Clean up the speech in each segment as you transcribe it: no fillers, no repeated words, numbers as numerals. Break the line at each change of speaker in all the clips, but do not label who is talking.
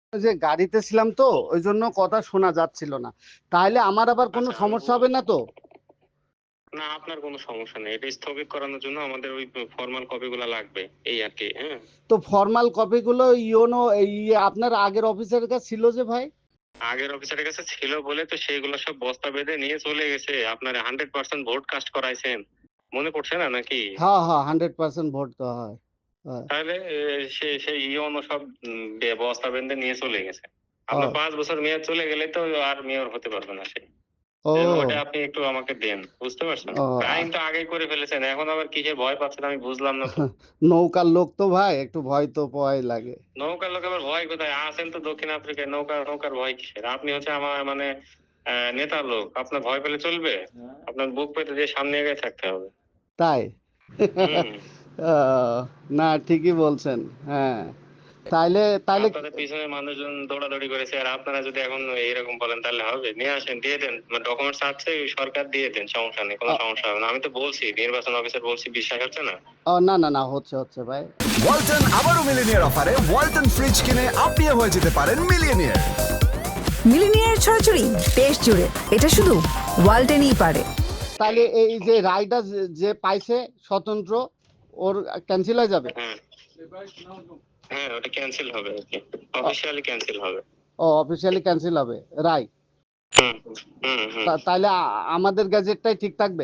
যে গাড়িতে ছিলাম তো ওই জন্য কথা শোনা যাচ্ছিল না। তাহলে আমার আবার কোনো
আচ্ছা,
সমস্যা হবে না তো?
না, আপনার কোনো সমস্যা নেই। এটা স্থগিত করানোর জন্য আমাদের ওই ফর্মাল কপিগুলো লাগবে, এই আর কি। হ্যাঁ,
তো ফর্মাল কপিগুলো ইওনো আপনার আগের অফিসের কাছে ছিল যে ভাই?
আগের অফিসারের কাছে ছিল বলে তো সেইগুলো সব বস্তা বেঁধে নিয়ে চলে গেছে। আপনার 100% ভোট কাস্ট করাইছেন, মনে পড়ছে না নাকি?
হ্যাঁ হ্যাঁ, 100% ভোট তো হয়। হয়।
তাহলে সেই ইওনো সব বস্তা বেঁধে নিয়ে চলে গেছে। আপনার
ও
5 বছর মেয়াদ চলে গেলে তো আর মেয়র হতে পারবে না সে। এজন্য ওটা
ও
আপনি একটু আমাকে দেন, বুঝতে পারছেন?
ও
ক্রাইম তো আগেই করে ফেলেছেন, এখন আবার কিসের ভয় পাচ্ছেন আমি বুঝলাম না তো।
নৌকার লোক তো ভাই, একটু ভয় তো পাওয়াই লাগে।
নৌকার লোক আবার ভয় কোথায়? আছেন তো দক্ষিণ আফ্রিকায়, নৌকার ভয় কিসের? আপনি হচ্ছে আমার মানে নেতার লোক, আপনার ভয় পেলে চলবে? আপনার বুক পেতে দিয়ে সামনে এগিয়ে থাকতে হবে।
তাই?
হুম।
আহ, না ঠিকই বলছেন। হ্যাঁ, তাইলে তাইলে
আপনাদের পিছনে মানুষজন দৌড়াদৌড়ি করেছে, আর আপনারা যদি এখন এইরকম বলেন তাহলে হবে? নিয়ে আসেন, দিয়ে দেন, ডকুমেন্টস আছে, সরকার দিয়ে দেন, সমস্যা নেই, কোনো সমস্যা হবে না। আমি তো বলছি, নির্বাচন অফিসার বলছি, বিশ্বাস হচ্ছে না?
না না না, হচ্ছে হচ্ছে ভাই।
ওয়ালটন আবারও মিলিনিয়ার অফারে ওয়ালটন ফ্রিজ কিনে আপনিও হয়ে যেতে পারেন মিলিয়নিয়ার।
মিলিনিয়ার ছড়াছড়ি দেশ জুড়ে, এটা শুধু ওয়ালটেনই পারে।
তাহলে এই যে রায়টা যে পাইছে স্বতন্ত্র, ওর ক্যান্সেল হয়ে যাবে?
হ্যাঁ হ্যাঁ, ওটা ক্যান্সেল হবে আর কি, অফিসিয়ালি ক্যান্সেল হবে।
ও অফিসিয়ালি ক্যান্সেল হবে, রায়?
হুম হুম হুম।
তাহলে আমাদের গ্যাজেটটাই ঠিক থাকবে?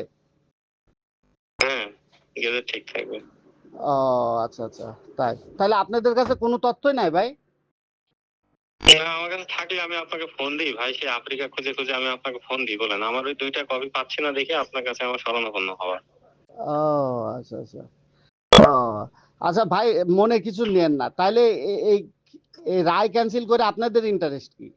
হ্যাঁ, গেলে ঠিক থাকবে।
ও আচ্ছা আচ্ছা, তাই? তাহলে আপনাদের কাছে কোনো তথ্যই নাই ভাই?
না, আমার কাছে থাকলে আমি আপনাকে ফোন দিই ভাই, সে আফ্রিকা খুঁজে খুঁজে আমি আপনাকে ফোন দিই, বলেন। আমার ওই 2টা কপি পাচ্ছি না দেখে আপনার কাছে আমার শরণাপন্ন হওয়ার।
ও আচ্ছা আচ্ছা। ও আচ্ছা ভাই, মনে কিছু নেন না। তাহলে এই এই রায় ক্যান্সেল করে আপনাদের ইন্টারেস্ট কি?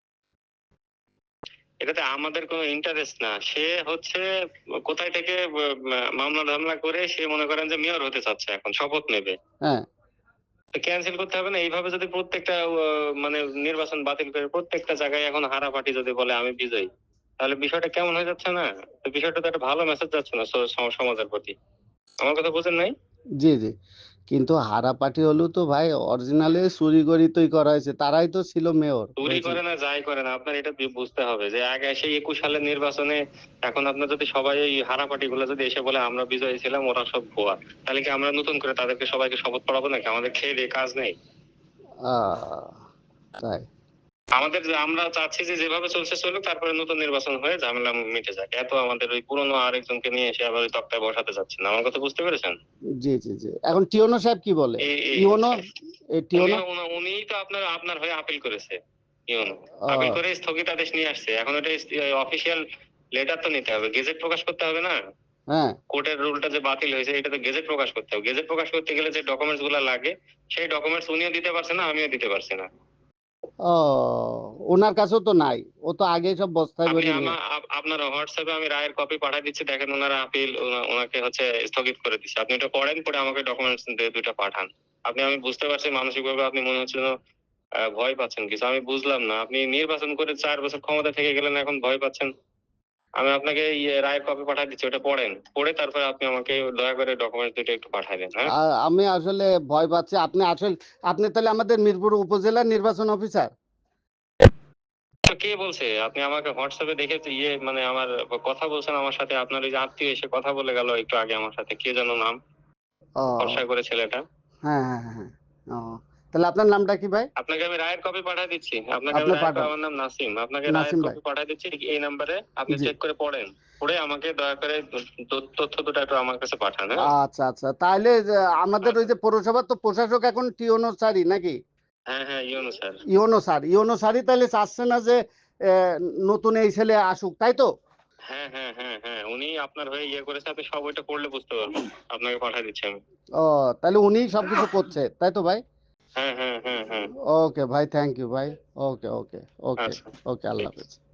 এটাতে আমাদের কোনো ইন্টারেস্ট না। সে হচ্ছে কোথায় থেকে মামলা ধামলা করে সে মনে করেন যে মেয়র হতে চাচ্ছে, এখন শপথ নেবে।
হ্যাঁ।
ক্যান্সেল করতে হবে না? এইভাবে যদি প্রত্যেকটা মানে নির্বাচন বাতিল করে প্রত্যেকটা জায়গায় এখন হারা পার্টি যদি বলে আমি বিজয়ী, তাহলে বিষয়টা কেমন হয়ে যাচ্ছে না? তো বিষয়টা তো একটা ভালো মেসেজ যাচ্ছে না সমাজের প্রতি। আমার কথা বুঝেন নাই?
জি জি, কিন্তু হারা পার্টি হলেও তো ভাই অরিজিনালে চুরি করি তৈরি করা হয়েছে, তারাই তো ছিল মেয়র
চুরি
হয়েছে।
করে না যাই করে না, আপনার এটা বুঝতে হবে যে আগে সেই 21 সালের নির্বাচনে এখন আপনার যদি সবাই এই হারা পার্টি গুলো যদি এসে বলে আমরা বিজয়ী ছিলাম, ওরা সব ভুয়া, তাহলে কি আমরা নতুন করে তাদেরকে সবাইকে শপথ পড়াবো নাকি? আমাদের খেয়ে দিয়ে কাজ নেই?
আহ, তাই?
আমরা চাচ্ছি যে যেভাবে চলছে চলুক, তারপরে নতুন নির্বাচন হয়ে ঝামেলা মিটে যাক। এত আমাদের ওই পুরনো আরেকজনকে নিয়ে এসে আবার ওই তক্তায় বসাতে যাচ্ছে না। আমার কথা বুঝতে পেরেছেন?
জি জি জি, এখন টিওনো সাহেব কি বলে?
এই
ইওনো,
হচ্ছে
এই টিওনো।
উনিই তো আপনার আপনার হয়ে আপিল করেছে। ইউনো আপিল
আহ,
করে স্থগিতাদেশ নিয়ে আসছে। এখন ওটা অফিসিয়াল লেটার তো নিতে হবে, গেজেট প্রকাশ করতে হবে না?
হ্যাঁ।
কোর্টের রুলটা যে বাতিল হয়েছে এটা তো গেজেট প্রকাশ করতে হবে। গেজেট প্রকাশ করতে গেলে যে ডকুমেন্টস গুলো লাগে, সেই ডকুমেন্টস উনিও দিতে পারছে না, আমিও দিতে পারছি না।
ও, ওনার কাছেও তো নাই, ও তো আগে সব বস্তায়
আপনি
ভরে নিয়ে।
আপনার হোয়াটসঅ্যাপে আমি রায়ের কপি পাঠিয়ে দিচ্ছি, দেখেন ওনারা আপিল ওনাকে হচ্ছে স্থগিত করে দিচ্ছে। আপনি এটা পড়েন, পড়ে আমাকে ডকুমেন্টস 2টা পাঠান। আমি বুঝতে পারছি মানসিক ভাবে আপনি মনে হচ্ছে যেন ভয় পাচ্ছেন কিছু, আমি বুঝলাম না। আপনি নির্বাচন করে 4 বছর ক্ষমতা থেকে গেলেন, এখন ভয় পাচ্ছেন? আমি আপনাকে রায়ের কপি পাঠিয়ে দিচ্ছি, ওটা পড়েন, পড়ে তারপরে আপনি আমাকে দয়া করে ডকুমেন্টস 2টা একটু পাঠিয়ে দেন। হ্যাঁ,
আমি আসলে ভয় পাচ্ছি। আপনি আসলে, আপনি তাহলে আমাদের মিরপুর উপজেলার নির্বাচন অফিসার?
তো কে বলছে? আপনি আমাকে হোয়াটসঅ্যাপে দেখে তো মানে আমার কথা বলছেন আমার সাথে, আপনার ওই যে আত্মীয় এসে কথা বলে গেল একটু আগে আমার সাথে, কে যেন নাম, ফর্সা
ও
করে ছেলেটা।
হ্যাঁ হ্যাঁ হ্যাঁ। ও, তাহলে আপনার নামটা কি ভাই?
আপনাকে আমি রায়ের কপি পাঠিয়ে দিচ্ছি, আপনাকে আমি
আপনি
রায়ের
পাঠান।
আমার নাম নাসিম, আপনাকে রায়ের
নাসিম ভাই।
কপি পাঠিয়ে দিচ্ছি এই নাম্বারে। আপনি
জি।
চেক করে পড়েন, পড়ে আমাকে দয়া করে তথ্য দুটো একটু আমার কাছে পাঠান। হ্যাঁ
আচ্ছা আচ্ছা, তাহলে যে আমাদের ওই
আচ্ছা।
যে পৌরসভার তো প্রশাসক এখন টিওনো স্যারই নাকি?
হ্যাঁ হ্যাঁ, ইউনু স্যার।
ইওনো স্যার, ইওনো স্যারই তাহলে চাচ্ছে না যে নতুন এই ছেলে আসুক, তাই তো?
হ্যাঁ হ্যাঁ হ্যাঁ হ্যাঁ, উনি আপনার হয়ে করেছে, আপনি সব ওইটা পড়লে বুঝতে পারবেন। আপনাকে পাঠিয়ে দিচ্ছি আমি।
ও, তাহলে উনিই সবকিছু করছে, তাই তো ভাই?
হ্যাঁ হ্যাঁ হ্যাঁ হ্যাঁ।
ওকে ভাই, থ্যাংক ইউ ভাই। ওকে ওকে। ওকে।
আচ্ছা,
ওকে, আল্লাহ
ঠিক আছে।
হাফেজ।